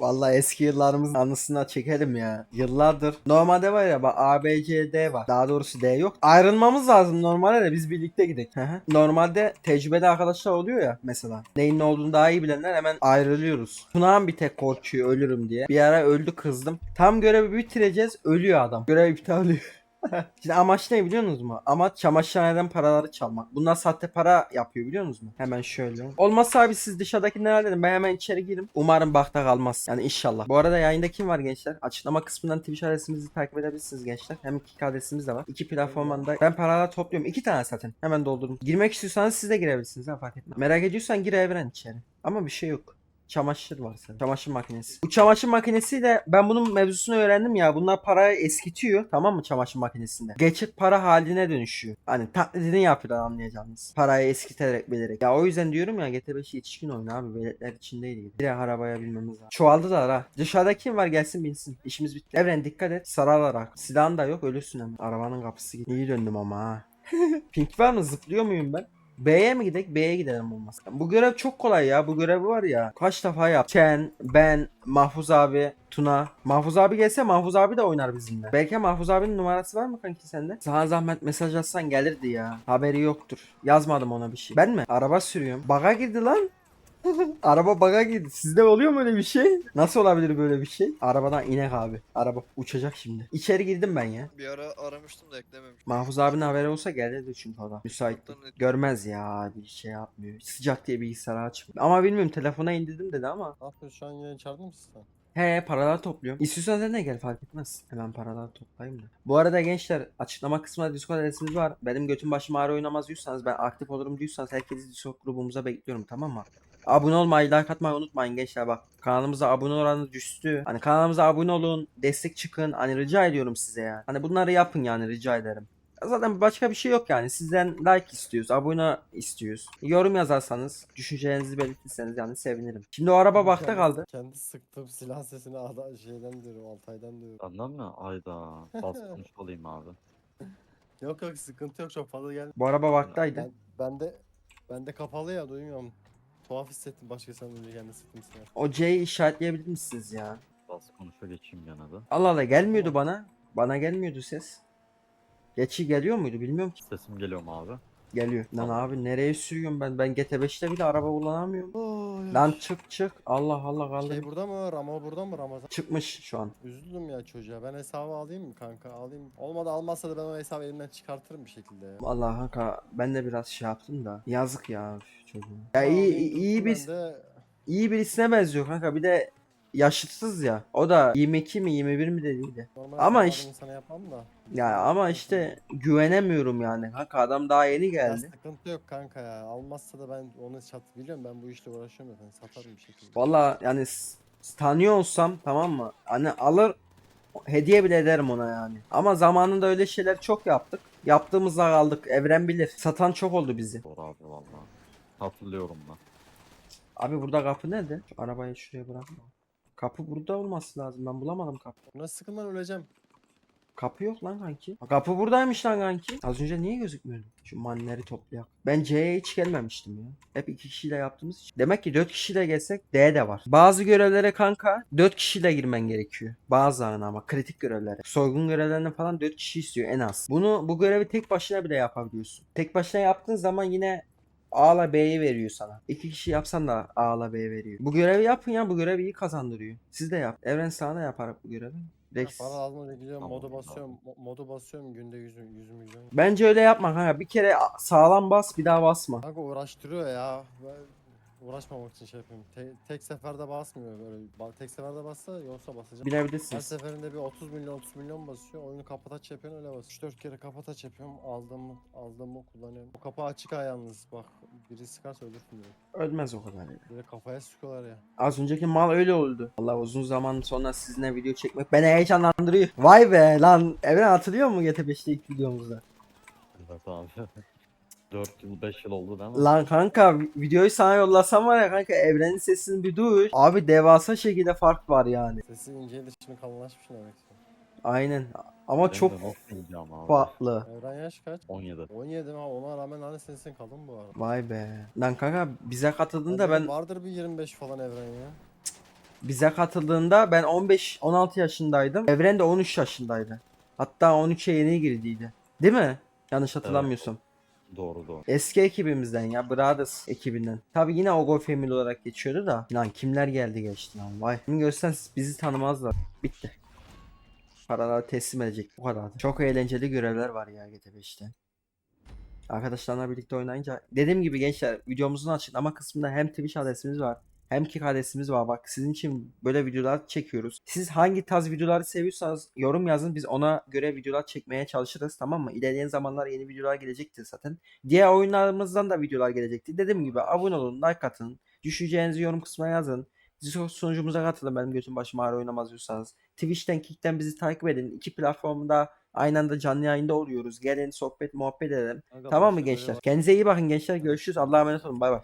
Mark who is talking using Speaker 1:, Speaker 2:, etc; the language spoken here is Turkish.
Speaker 1: Vallahi eski yıllarımızın anısına çekelim ya. Yıllardır. Normalde var ya bak A, B, C, D var. Daha doğrusu D yok. Ayrılmamız lazım normalde de biz birlikte gidelim. Hı hı. Normalde tecrübeli arkadaşlar oluyor ya mesela. Neyin ne olduğunu daha iyi bilenler hemen ayrılıyoruz. Tunağan bir tek korkuyor ölürüm diye. Bir ara öldü kızdım. Tam görevi bitireceğiz ölüyor adam. Görev iptal oluyor. Şimdi amaç ne biliyor musunuz mu? Amaç çamaşırhaneden paraları çalmak. Bunlar sahte para yapıyor biliyor musunuz mu? Hemen şöyle. Olmazsa abi siz dışarıdaki ne halledin? Ben hemen içeri gireyim. Umarım bakta kalmaz. Yani inşallah. Bu arada yayında kim var gençler? Açıklama kısmından Twitch adresimizi takip edebilirsiniz gençler. Hem iki adresimiz de var. İki platformdan da ben paralar topluyorum. İki tane zaten. Hemen doldurun. Girmek istiyorsanız siz de girebilirsiniz. Ha, fark etmez. Merak ediyorsan gir Evren içeri. Ama bir şey yok. Çamaşır var senin. Çamaşır makinesi. Bu çamaşır makinesiyle ben bunun mevzusunu öğrendim ya. Bunlar parayı eskitiyor. Tamam mı çamaşır makinesinde? Geçit para haline dönüşüyor. Hani taklidini yapıyorlar anlayacağınız. Parayı eskiterek bilerek. Ya o yüzden diyorum ya GT5 yetişkin oyunu abi. Veletler içindeydi. Bir de arabaya binmemiz lazım. Çoğaldılar ha. Dışarıda kim var gelsin binsin. İşimiz bitti. Evren dikkat et. Sararlar. Silahın da yok ölürsün hemen. Arabanın kapısı gitti. İyi döndüm ama ha. Pink var mı? Zıplıyor muyum ben? B'ye mi gidelim? B'ye gidelim olmaz. Bu görev çok kolay ya. Bu görev var ya. Kaç defa yap. Ken, ben, Mahfuz abi, Tuna. Mahfuz abi gelse Mahfuz abi de oynar bizimle. Belki Mahfuz abinin numarası var mı kanki sende? Sana zahmet mesaj atsan gelirdi ya. Haberi yoktur. Yazmadım ona bir şey. Ben mi? Araba sürüyorum. Baga girdi lan. Araba bug'a girdi. Sizde oluyor mu öyle bir şey? Nasıl olabilir böyle bir şey? Arabadan inek abi. Araba uçacak şimdi. İçeri girdim ben ya.
Speaker 2: Bir ara aramıştım da eklememiştim.
Speaker 1: Mahfuz abinin haberi olsa gelirdi çünkü o da. Müsait.
Speaker 2: Çoktan net-
Speaker 1: Görmez ya bir şey yapmıyor. Sıcak diye bilgisayarı açmıyor. Ama bilmiyorum telefona indirdim dedi ama.
Speaker 3: Ne yapıyorsun şu an yayın çağırdın mı sen?
Speaker 1: He paralar topluyorum. İstiyorsan sen de gel fark etmez. Hemen paralar toplayayım da. Bu arada gençler açıklama kısmında Discord adresimiz var. Benim götüm başım ağrı oynamaz diyorsanız ben aktif olurum diyorsanız herkesi Discord grubumuza bekliyorum tamam mı? Abone olmayı, like atmayı unutmayın gençler bak. Kanalımıza abone oranı düştü. Hani kanalımıza abone olun, destek çıkın. Hani rica ediyorum size ya. Hani bunları yapın yani rica ederim. Zaten başka bir şey yok yani. Sizden like istiyoruz, abone istiyoruz. Yorum yazarsanız, düşüncelerinizi belirtirseniz yani sevinirim. Şimdi o araba bakta kaldı.
Speaker 3: Kendi sıktığım silah sesini şeyden diyorum, Altay'dan diyorum.
Speaker 4: Senden mi? Ayda. Basmış olayım abi.
Speaker 3: Yok yok sıkıntı yok çok fazla geldi.
Speaker 1: Bu araba baktaydı.
Speaker 3: Ben de kapalı ya duymuyorum. Tuhaf hissettim başka sen önce kendi sıktım silah.
Speaker 1: O C'yi işaretleyebilir misiniz ya?
Speaker 4: Bas konuşa geçeyim yana da.
Speaker 1: Allah Allah gelmiyordu bana. Bana gelmiyordu ses. Geçi geliyor muydu bilmiyorum ki.
Speaker 4: Sesim geliyor mu abi?
Speaker 1: Geliyor. Lan
Speaker 4: Tamam.
Speaker 1: abi nereye sürüyorum ben? Ben GT5'te bile araba kullanamıyorum.
Speaker 3: Oy,
Speaker 1: Lan çık çık. Allah Allah kaldır.
Speaker 3: Şey burada mı? Ramo burada mı Ramazan?
Speaker 1: Çıkmış şu an.
Speaker 3: Üzüldüm ya çocuğa. Ben hesabı alayım mı kanka? Alayım. Olmadı almazsa da ben o hesabı elimden çıkartırım bir şekilde ya.
Speaker 1: Allah kanka ben de biraz şey yaptım da. Yazık ya üf, çocuğum. Ya
Speaker 3: Ama
Speaker 1: iyi
Speaker 3: alayım,
Speaker 1: iyi
Speaker 3: tuttum
Speaker 1: bir
Speaker 3: ben de.
Speaker 1: iyi birisine benziyor kanka. Bir de yaşıtsız ya. O da 22 mi 21 mi dediydi.
Speaker 3: Normal
Speaker 1: Ama
Speaker 3: hesabı
Speaker 1: işte
Speaker 3: insana yapmam da.
Speaker 1: ya ama işte güvenemiyorum yani. Kanka adam daha yeni
Speaker 3: Ya
Speaker 1: geldi.
Speaker 3: sıkıntı yok kanka ya. Almazsa da ben onu biliyorum ben bu işle uğraşıyorum zaten. Satarım bir şekilde.
Speaker 1: Valla yani tanıyor olsam tamam mı? Hani alır hediye bile ederim ona yani. Ama zamanında öyle şeyler çok yaptık. Yaptığımızda kaldık. Evren bilir. Satan çok oldu bizi.
Speaker 4: Doğru abi valla. Hatırlıyorum ben.
Speaker 1: Abi burada kapı nerede? Şu arabayı şuraya bırakma. Kapı burada olması lazım. Ben bulamadım kapı.
Speaker 3: Buna sıkılman öleceğim.
Speaker 1: Kapı yok lan kanki. Kapı buradaymış lan kanki. Az önce niye gözükmüyordu? Şu manleri toplayak. Ben C'ye hiç gelmemiştim ya. Hep iki kişiyle yaptığımız için. Demek ki 4 kişiyle gelsek D de var. Bazı görevlere kanka 4 kişiyle girmen gerekiyor. Bazılarına ama kritik görevlere. Soygun görevlerine falan 4 kişi istiyor en az. Bu görevi tek başına bile yapabiliyorsun. Tek başına yaptığın zaman yine A'la B'yi veriyor sana. İki kişi yapsan da A'la B veriyor. Bu görevi yapın ya bu görevi iyi kazandırıyor. Siz de yap. Evren sana da yapar bu görevi. Rex.
Speaker 3: Para lazım öyle gidiyorum
Speaker 4: Tamam,
Speaker 3: modu
Speaker 4: tamam.
Speaker 3: basıyorum. Modu basıyorum günde 100 milyon.
Speaker 1: Bence öyle yapma kanka. Bir kere sağlam bas bir daha basma.
Speaker 3: Kanka uğraştırıyor ya. Ben uğraşmamak için şey yapıyorum. Tek seferde basmıyor böyle. Tek seferde bassa yoksa basacağım. Her
Speaker 1: Bilebilirsiniz.
Speaker 3: seferinde bir 30 milyon basıyor. Oyunu kapataç yapıyorsun öyle basıyor. 3-4 kere kapataç yapıyorum. Aldığımı kullanıyorum. O kapı açık ha yalnız bak. Biri sıkarsa ölürsün diyor.
Speaker 1: Ölmez o kadar ya.
Speaker 3: Böyle kafaya sıkıyorlar ya.
Speaker 1: Az önceki mal öyle oldu. Allah uzun zaman sonra sizinle video çekmek beni heyecanlandırıyor. Vay be lan. Evren hatırlıyor mu GT5'te ilk videomuzda?
Speaker 4: Evet abi. 4 yıl 5 yıl oldu değil mi?
Speaker 1: Lan kanka videoyu sana yollasam var ya kanka Evren'in sesini bir duy. Abi devasa şekilde fark var yani.
Speaker 3: Sesi inceydi şimdi kalınlaşmış demek ki.
Speaker 1: Aynen. Ama
Speaker 4: Benim
Speaker 1: çok
Speaker 4: de nasıl yiyeceğim abi?
Speaker 1: farklı.
Speaker 3: Evren yaş kaç?
Speaker 4: 17.
Speaker 3: 17 mi? Ona rağmen hani sesin kalın bu arada.
Speaker 1: Vay be. Lan kanka bize katıldığında
Speaker 3: Dedim
Speaker 1: ben
Speaker 3: vardır bir 25 falan Evren ya.
Speaker 1: Bize katıldığında ben 15-16 yaşındaydım. Evren de 13 yaşındaydı. Hatta 13'e yeni girdiydi. Değil mi? Yanlış hatırlamıyorsam.
Speaker 4: Doğru doğru.
Speaker 1: Eski ekibimizden ya, Brothers ekibinden. Tabi yine Ogo Family olarak geçiyordu da. Lan kimler geldi geçti lan, vay. Şimdi görsen bizi tanımazlar. Bitti. Paraları teslim edecek, bu kadar. Çok eğlenceli görevler var ya GT5'te. Arkadaşlarla birlikte oynayınca. Dediğim gibi gençler, videomuzun açıklama kısmında hem Twitch adresimiz var, hem Kick adresimiz var. Bak, sizin için böyle videolar çekiyoruz. Siz hangi tarz videoları seviyorsanız yorum yazın, biz ona göre videolar çekmeye çalışırız, tamam mı? İlerleyen zamanlar yeni videolar gelecektir zaten. Diğer oyunlarımızdan da videolar gelecektir. Dediğim gibi abone olun, like atın, düşüneceğinizi yorum kısmına yazın. Discord sunucumuza katılın, benim götüm başım ağrı oynamaz diyorsanız. Twitch'ten, Kick'ten bizi takip edin. İki platformda aynı anda canlı yayında oluyoruz. Gelin sohbet muhabbet edelim.
Speaker 4: Kanka
Speaker 1: Tamam mı
Speaker 4: başta böyle
Speaker 1: gençler? Kendinize iyi bakın gençler. Görüşürüz. Allah'a emanet olun. Bay bay.